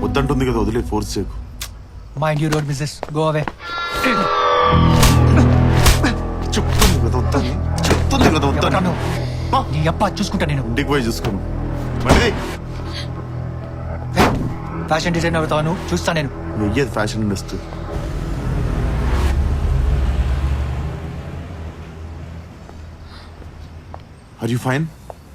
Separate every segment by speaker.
Speaker 1: వద్దంటుంది కదా, వదిలే, ఫోర్స్ చేయకు.
Speaker 2: Mind your own business, go away.
Speaker 1: చెప్తుంది కదా వద్దని, చెప్తుంది కదా వద్దని.
Speaker 2: నీ అప్ప చూసుకుంటా నేను.
Speaker 1: ఇంటికి పోయి చూసుకోను. మళ్ళీ
Speaker 2: ఫ్యాషన్ డిజైన్ అవుతాను, చూస్తా నేను.
Speaker 1: వెయ్యేది fashion industry. Are you fine?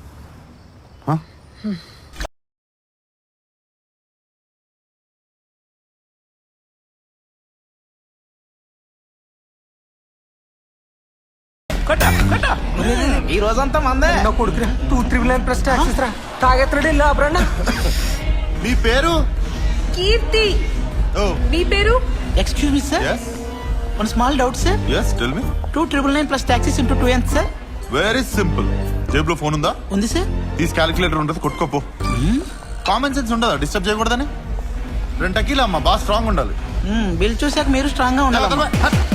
Speaker 3: ఈ రోజంతా మందే
Speaker 2: కొడుకురా 299 ప్లస్ టాక్సెస్ రా. తాగెత్తడే లాభరన్నా.
Speaker 1: మీ పేరు?
Speaker 4: కీర్తి.
Speaker 1: ఓ
Speaker 4: మీ పేరు?
Speaker 3: Excuse me sir,
Speaker 1: yes
Speaker 3: one small doubt sir.
Speaker 1: yes tell me.
Speaker 3: 299 plus taxes into 2 ఎంత సార్?
Speaker 1: Very simple. జేబులో ఫోన్ ఉందా?
Speaker 3: ఉంది సార్.
Speaker 1: తీసి క్యాలిక్యులేటర్ ఉంటుంది, కొట్టుకోపో. కామన్ సెన్స్ ఉండదా డిస్టర్బ్ చేయకూడదని? 2 టకీలు అమ్మా, బాగా స్ట్రాంగ్ ఉండాలి.
Speaker 3: బిల్ చూసాక మీరు స్ట్రాంగ్ గా ఉండాలి.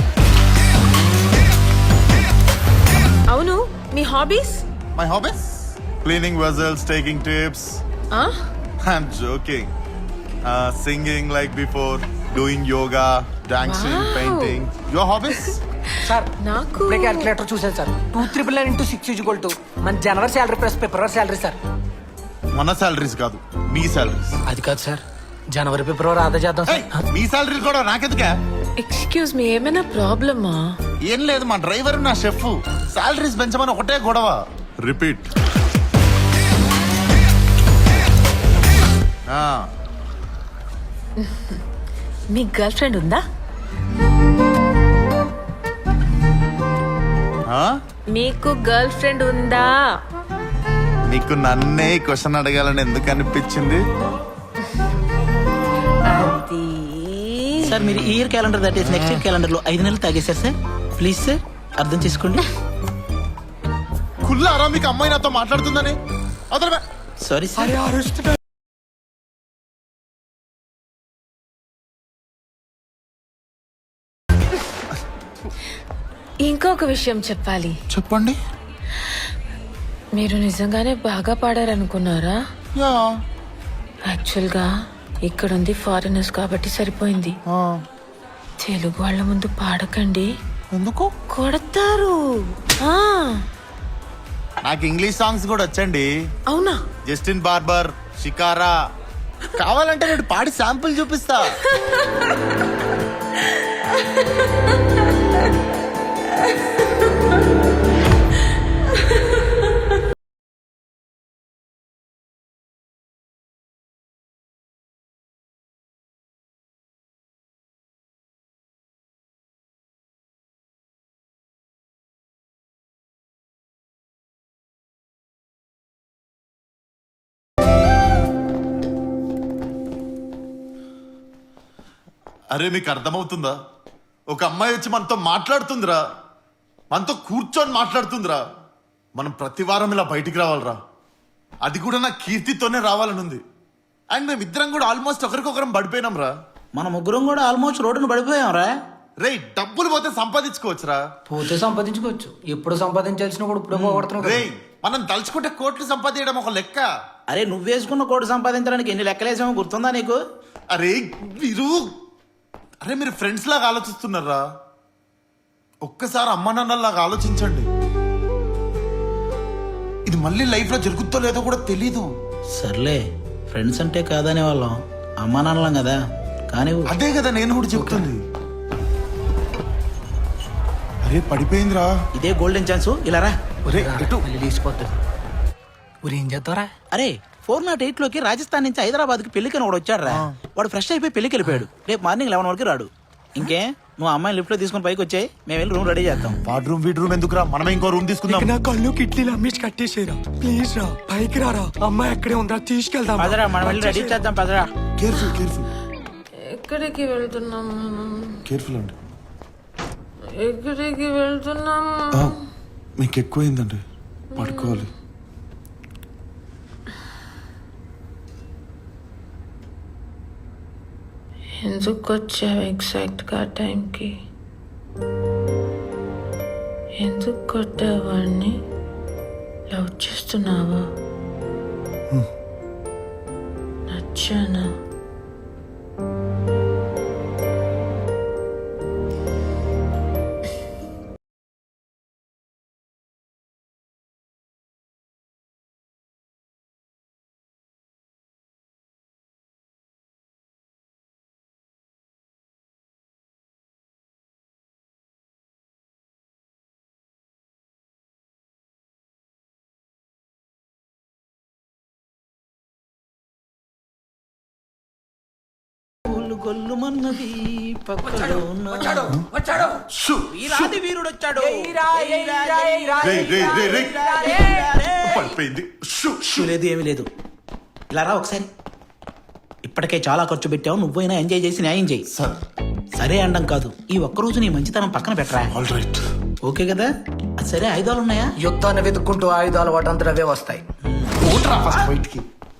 Speaker 4: అవును, మీ hobbies?
Speaker 1: My hobbies cleaning vessels, taking tips. I'm joking. Singing like before, doing yoga, dancing,
Speaker 4: Wow.
Speaker 1: painting. Your hobbies?
Speaker 2: Sir
Speaker 4: నాకు
Speaker 2: ఇప్పుడే క్యాలిక్యులేటర్ చూసాను సార్. 299 ఇంటూ 6 ఈక్వల్ టు మన జనవరి శాలరీ ప్లస్ ఫిబ్రవరి శాలరీ సార్.
Speaker 1: మన సాలరీస్ కాదు, మీ సాలరీస్.
Speaker 2: అది కాదు సార్, జనవరి ఫిబ్రవరి ఆదా చేద్దాం సార్.
Speaker 1: మీ సాలరీలు కూడా నాకెందుకే?
Speaker 4: ఎక్స్క్యూజ్ మీ, ఏమైనా ప్రాబ్లమా?
Speaker 1: ఏం లేదు, మా డ్రైవర్ నా షెఫ్ సాలరీస్ పెంచమని ఒకటే గొడవ. రిపీట్.
Speaker 4: మీ గర్ల్ ఫ్రెండ్ ఉందా? మీకు గర్ల్ ఫ్రెండ్ ఉందా?
Speaker 1: నీకు నన్నే క్వశ్చన్ అడగాలని ఎందుకు అనిపించింది?
Speaker 4: అది
Speaker 3: సార్ మీరు ఈ ఇయర్ క్యాలెండర్ దాటేసి నెక్స్ట్ ఇయర్ క్యాలెండర్ లో 5 నెలలు తాగేశారు సార్. ప్లీజ్ సార్ అర్థం చేసుకోండి.
Speaker 1: కుల్లారా మీకు అమ్మాయి నాతో మాట్లాడుతుందని?
Speaker 3: Sorry sir.
Speaker 4: ఇంకొక విషయం చెప్పాలి.
Speaker 1: చెప్పండి.
Speaker 4: మీరు నిజంగానే బాగా పాడారనుకున్నారా? యాక్చువల్గా ఇక్కడ ఉంది ఫారినర్స్ కాబట్టి సరిపోయింది. తెలుగు వాళ్ళ ముందు పాడకండి.
Speaker 1: ఎందుకు?
Speaker 4: కొడతారు.
Speaker 1: నాకు ఇంగ్లీష్ సాంగ్స్ కూడా వచ్చండి.
Speaker 4: అవునా?
Speaker 1: Justin Barber, Shakira. కావాలంటే నేను పాడి శాంపుల్ చూపిస్తా. అరే మీకు అర్థమవుతుందా? ఒక అమ్మాయి వచ్చి మనతో మాట్లాడుతుందిరా, మనతో కూర్చొని మాట్లాడుతుందిరా. మనం ప్రతి వారం ఇలా బయటికి రావాలరా. అది కూడా నా కీర్తితోనే రావాలని ఉంది. అండ్ మేమిద్దరం కూడా ఆల్మోస్ట్ ఒకరికొకరం పడిపోయినాం రా.
Speaker 3: మన ముగ్గురం కూడా ఆల్మోస్ట్ రోడ్డును పడిపోయాం రా.
Speaker 1: రే డబ్బులు పోతే సంపాదించుకోవచ్చురా.
Speaker 2: పోతే సంపాదించుకోవచ్చు, ఎప్పుడు సంపాదించాల్సిన కూడా ఇప్పుడు పోగొడుతున్నావు.
Speaker 1: రే మనం తలుచుకుంటే కోట్లు సంపాదించడం ఒక లెక్క.
Speaker 3: అరే నువ్వు వేసుకున్న కోటి సంపాదించడానికి ఎన్ని లెక్కలేసామో గుర్తుందా నీకు?
Speaker 1: అరే మీరు ఫ్రెండ్స్ లాగా ఆలోచిస్తున్నారా? ఒక్కసారి అమ్మ నాన్నలాగా ఆలోచించండి. ఇది మళ్ళీ లైఫ్ లో జరుగుతుందో లేదో కూడా తెలీదు.
Speaker 3: సర్లే, ఫ్రెండ్స్ అంటే కాదనే వాళ్ళం, అమ్మా నాన్నలం కదా. కానీ
Speaker 1: అదే కదా నేను కూడా చెప్తుంది. అరే పడిపోయిందిరా.
Speaker 3: ఇదే గోల్డెన్ ఛాన్స్, ఇలా రా.
Speaker 2: ఏం చేస్తారా?
Speaker 3: అరే 408 లోకి రాజస్థాన్ నుంచి హైదరాబాద్ కి పెళ్లికని వాడు వచ్చాడు రా. వాడు ఫ్రెష్ అయిపోయి పెళ్లికి వెళ్ళిపోయాడు. రేపు మార్నింగ్ 11 వరకు రాడు. ఇంకే నువ్వు అమ్మాయిని లిఫ్ట్ లో తీసుకుని పైకి వచ్చాయి, మేము వెళ్ళి రూమ్ రెడీ చేస్తాం.
Speaker 1: వాడ్ రూమ్ వీడ్ రూమ్ ఎందుకురా, మనమే ఇంకో రూమ్ తీసుకుందాం.
Speaker 2: నా కళ్ళు కిట్లీలు అమ్మేసి కట్టేసేరా. ప్లీజ్ రా, పైకి రారా. అమ్మాయి ఎక్కడే ఉందా, తీసుకెళ్దాం.
Speaker 3: పదరా, మనం వెళ్ళి రెడీ చేద్దాం. పదరా.
Speaker 1: Careful careful.
Speaker 4: ఎక్కడికి వెళ్తున్నాం?
Speaker 1: కేర్ఫుల్ అండి.
Speaker 4: ఎక్కడికి వెళ్తున్నాం?
Speaker 1: మీకు ఎక్కువైందండి, పడుకోవాలి.
Speaker 4: ఎందుకు వచ్చావు ఎగ్జాక్ట్గా టైంకి? ఎందుకు కొట్టావాడిని? లవ్ చేస్తున్నావా? నచ్చానా?
Speaker 3: గొల్లుమన్నది పక్కలో ఉన్న-
Speaker 1: షూ!
Speaker 3: వీరాది వీరుడు వచ్చాడు
Speaker 1: పడిపోయింది షూ! షూ!
Speaker 3: లేదు ఏమీ లేదు ఇలా రా ఒకసారి. ఇప్పటికే చాలా ఖర్చు పెట్టావు, నువ్వైనా ఎంజాయ్ చేసి న్యాయం చేయి.
Speaker 1: సార్
Speaker 3: సరే అండం కాదు, ఈ ఒక్కరోజు నీ మంచితనం పక్కన పెట్టరా.
Speaker 1: All right.
Speaker 3: ఓకే కదా? అది సరే, ఆయుధాలు ఉన్నాయా?
Speaker 2: యుద్ధాన్ని వెతుక్కుంటూ ఆయుధాలు వాటంతా అవే వస్తాయి.
Speaker 1: ఓట్రా ఫస్ట్ బయటికి.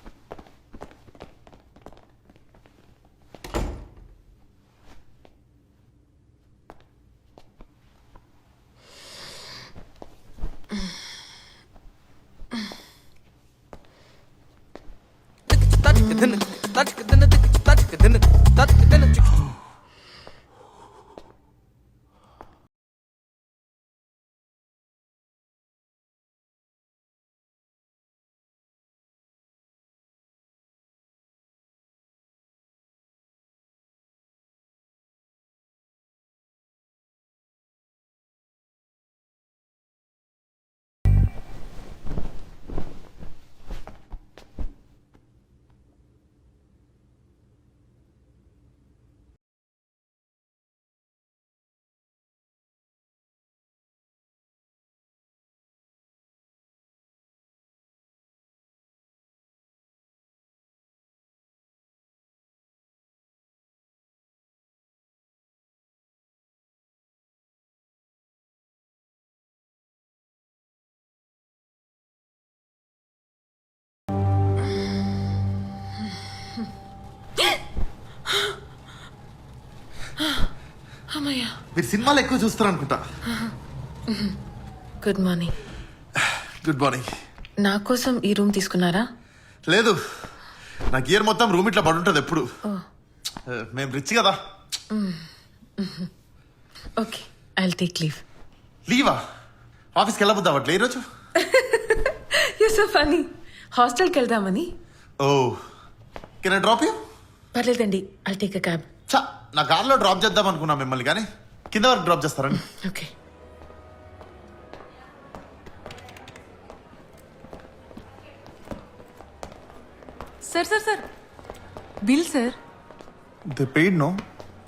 Speaker 4: అమ్మయ్యా.
Speaker 1: మీరు సినిమాలు ఎక్కువ చూస్తారు అనుకుంటా.
Speaker 4: Good morning.
Speaker 1: Good morning.
Speaker 4: నా కోసం ఈ రూమ్ తీసుకున్నారా?
Speaker 1: లేదు, నాకు ఇయర్ మొత్తం రూమ్ ఇట్లా పడుంటది ఎప్పుడు. మేము రిచ్ కదా.
Speaker 4: Okay, I take leave.
Speaker 1: లీవా? ఆఫీస్కి వెళ్ళబోద్దా అట్లా ఈరోజు?
Speaker 4: You so funny. హాస్టల్కి వెళ్దామని.
Speaker 1: ఓ, కెన్ ఐ డ్రాప్ యూ?
Speaker 4: పర్లేదండి, ఐ టేక్ అ క్యాబ్.
Speaker 1: చా, నా కార్లో డ్రాప్ చేద్దాం అనుకున్నా మిమ్మల్ని, కానీ కింద వరకు డ్రాప్ చేస్తారండి.
Speaker 4: Okay.
Speaker 5: Sir sir sir bill sir.
Speaker 1: They paid no?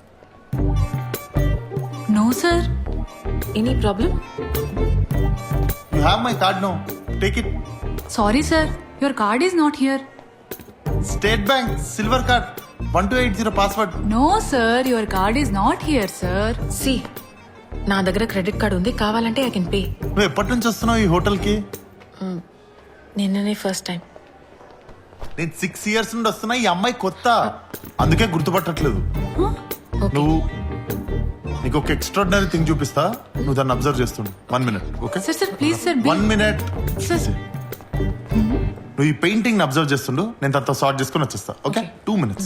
Speaker 5: No sir.
Speaker 4: Any problem?
Speaker 1: You have my card no, take it.
Speaker 5: Sorry sir, your card is not here.
Speaker 1: State Bank silver card 1280 password.
Speaker 5: No sir, your card is not here sir.
Speaker 4: సి, నా దగ్గర credit card ఉంది, కావాలంటే I can pay.
Speaker 1: నువ్వు ఎప్పటి నుంచి వస్తున్నావు ఈ హోటల్కి?
Speaker 4: నిన్ననే ఫస్ట్ టైం.
Speaker 1: నేను 6 years నుండి వస్తున్నా. ఈ అమ్మాయి కొత్త, అందుకే గుర్తుపట్టట్లేదు.
Speaker 4: ఓకే.
Speaker 1: నువ్వు, నీకు ఒక ఎక్స్ట్రాడినరీ థింగ్ చూపిస్తా, నువ్వు దాన్ని అబ్జర్వ్ చేస్తుండు. 1 minute, okay?
Speaker 5: Sir sir please sir
Speaker 1: 1
Speaker 5: bill.
Speaker 1: minute.
Speaker 5: Sir.
Speaker 1: నువ్వు ఈ పెయింటింగ్ అబ్జర్వ్ చేస్తుండు, నేను తనతో సార్ట్ చేసుకుని వచ్చేస్తా, ఓకే? 2 minutes.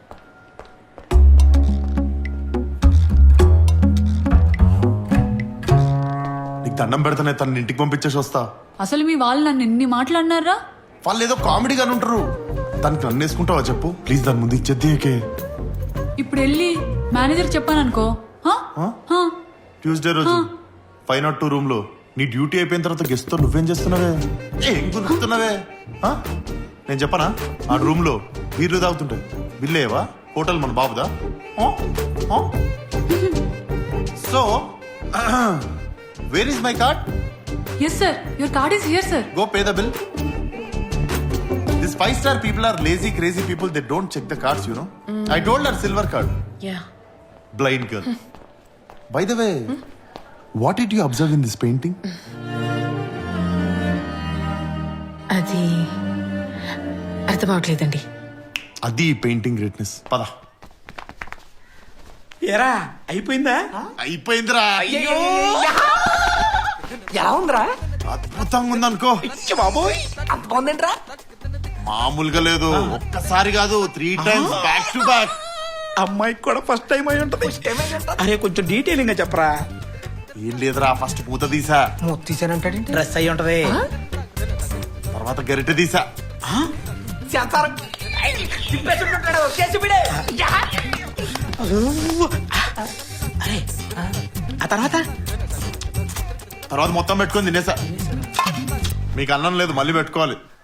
Speaker 1: నీకు దండం పెడతానే, తన ఇంటికి పంపించేసి వస్తా.
Speaker 5: అసలు మీ వాళ్ళు నన్ను ఎన్ని మాట్లాడినారా?
Speaker 1: వాళ్ళు ఏదో కామెడీగానే ఉంటారు. దానికి నన్ను వేసుకుంటావా చెప్పు ప్లీజ్? దాని ముందు ఇచ్చేద్దే.
Speaker 5: ఇప్పుడు వెళ్ళి మేనేజర్ చెప్పాను అనుకో.
Speaker 1: ట్యూస్డే రోజు 502 రూమ్ లో నీ డ్యూటీ అయిపోయిన తర్వాత గెస్ట్ తో నువ్వేం చేస్తున్నావే? ఏం గుర్తున్నావే? నేను చెప్పనా, ఆ రూమ్ లో బీర్లు తాగుతుంటాయి. బిల్లేవా? హోటల్ మన బాబుదా? So where is my card?
Speaker 5: Yes sir, your card is here sir.
Speaker 1: Go pay the bill. These 5-star people are lazy, crazy people. They don't check the cards, you know. I told her silver card.
Speaker 4: Yeah.
Speaker 1: Blind girl. By the way, what did you observe in this painting?
Speaker 4: అది అర్థం అవట్లేదండి.
Speaker 1: అది painting greatness. పద.
Speaker 3: ఏరా అయిపోయిందా?
Speaker 1: అయిపోయిందిరా.
Speaker 2: ఎలా ఉందిరా?
Speaker 1: అద్భుతంగా ఉందనుకో.
Speaker 3: బాబోయ్,
Speaker 2: అంత బాగుందేంట్రా?
Speaker 1: మామూలుగా లేదు. ఒక్కసారి కాదు, 3 times బ్యాక్ టు బ్యాక్.
Speaker 3: అమ్మాయికి కూడా ఫస్ట్ టైం అయి ఉంటది. అరే కొంచెం డీటెయిలింగ్ గా చెప్పరా.
Speaker 1: ఏం లేదురా, ఫస్ట్ పూత తీసా,
Speaker 2: మూత తీసానంటాడేంటి?
Speaker 3: డ్రెస్ అయి ఉంటది.
Speaker 1: తర్వాత గరిటె తీసా.
Speaker 2: చేస్తారు. తిప్పేసుకుంటాడు, కేసు బిడే.
Speaker 3: అరే ఆ తర్వాత
Speaker 1: తర్వాత మొత్తం పెట్టుకొని తినేసా. మీకు అన్నం లేదు, మళ్ళీ పెట్టుకోవాలి.